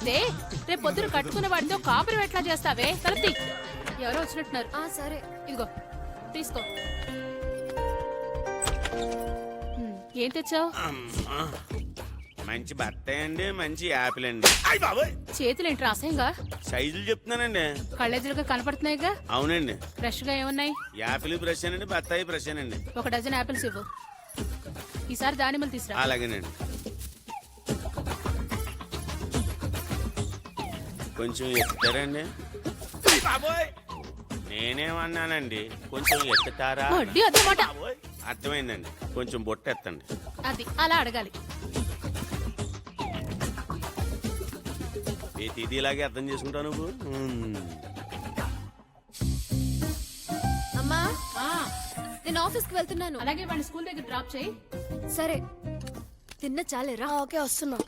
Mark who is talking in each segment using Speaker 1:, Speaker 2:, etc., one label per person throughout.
Speaker 1: తీస్తే రేపు పొద్దున కట్టుకున్న వాడితో కాపురం ఎట్లా చేస్తావే? తలపి ఎవరో వచ్చినట్టున్నారు.
Speaker 2: సరే
Speaker 1: ఇదిగో తీసుకో. ఏం తెచ్చావు?
Speaker 3: మంచి బత్త అండి, మంచి యాపిల్ అండి.
Speaker 1: చేతులు ఏంట్రా అసహ్యంగా?
Speaker 3: సైజులు చెప్తున్నానండి.
Speaker 1: కళ్ళెదురుగా కనపడుతున్నాయిగా.
Speaker 3: అవునండి.
Speaker 1: ఫ్రెష్ గా ఏమున్నాయి?
Speaker 3: యాపిల్ బ్రష్ అండి, బత్తాయి బ్రష్ అండి.
Speaker 1: 1 డజన్ యాపిల్స్ ఇవ్వు. ఈసారి దానిమ్మలు తీసురా.
Speaker 3: అలాగేనండి. కొంచెం ఎత్తుతారండి. నేనేమన్నానండి, కొంచెం ఎత్తుతారా?
Speaker 1: వడ్డీ అదే మాట.
Speaker 3: అర్థమైందండి, కొంచెం బొట్టు ఎత్తండి.
Speaker 1: అది అలా అడగాలి.
Speaker 3: ఇది ఇలాగే అర్థం చేసుకుంటావు నువ్వు.
Speaker 2: అమ్మా నేను ఆఫీస్కి వెళ్తున్నాను.
Speaker 1: అలాగే వాడిని స్కూల్ దగ్గర డ్రాప్ చేయి.
Speaker 2: సరే తిన్న చాలేరా?
Speaker 4: ఓకే వస్తున్నా.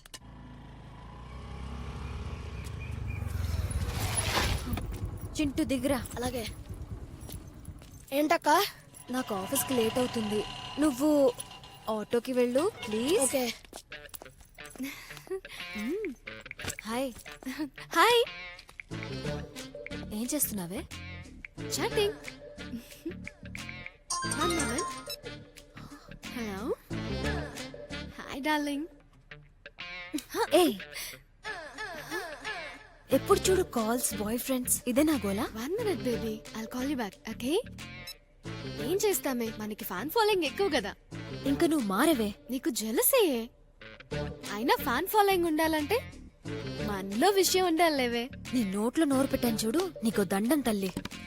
Speaker 2: చింటూ దిగురా.
Speaker 4: అలాగే. ఏంటక్క?
Speaker 2: నాకు ఆఫీస్కి లేట్ అవుతుంది, నువ్వు ఆటోకి వెళ్ళు ప్లీజ్.
Speaker 4: ఓకే.
Speaker 2: హాయ్. హాయ్. ఏం చేస్తున్నావే? చాటింగ్. హలో. Hi darling. ఏ ఎప్పుడు చూడు కాల్స్, బాయ్ ఫ్రెండ్స్, ఇదే నా గోలా?
Speaker 5: 1 minute baby, I'll call you back. Okay? ఏం చేస్తామే, మనకి ఫ్యాన్ ఫాలోయింగ్ ఎక్కువ కదా.
Speaker 2: ఇంకా నువ్వు మారవే.
Speaker 5: నీకు జెలసే. అయినా ఫ్యాన్ ఫాలోయింగ్ ఉండాలంటే మనలో విషయం ఉండాలేవే.
Speaker 2: నీ నోట్లో నోరు పెట్టాను చూడు, నీకు దండం తల్లి.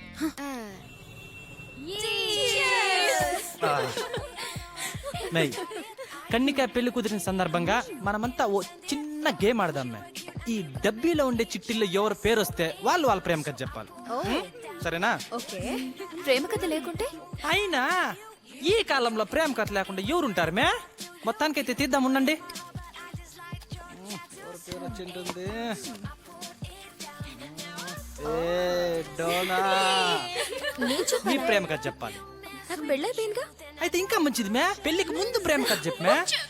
Speaker 6: కన్నికాయ పెళ్లి కుదిరిన సందర్భంగా మనమంతా ఓ చిన్న గేమ్ ఆడదాం. ఈ డబ్బీలో ఉండే చిట్టిల్లో ఎవరు పేరు వస్తే వాళ్ళు వాళ్ళ ప్రేమ కథ చెప్పాలి. సరేనా?
Speaker 2: ఓకే. ప్రేమ కథ లేకుంటే?
Speaker 6: అయినా ఈ కాలంలో ప్రేమ కథ లేకుండా ఎవరుంటారు మే? మొత్తానికైతే తీద్దాం, ఉండండి. ఎవరి పేరు వచ్చింటుంది? నీ ప్రేమ కథ చెప్పాలి.
Speaker 2: నాకు పెళ్ళైపోయిందిగా.
Speaker 6: అయితే ఇంకా మంచిది మే, పెళ్లికి ముందు ప్రేమ కథ చెప్పు మే.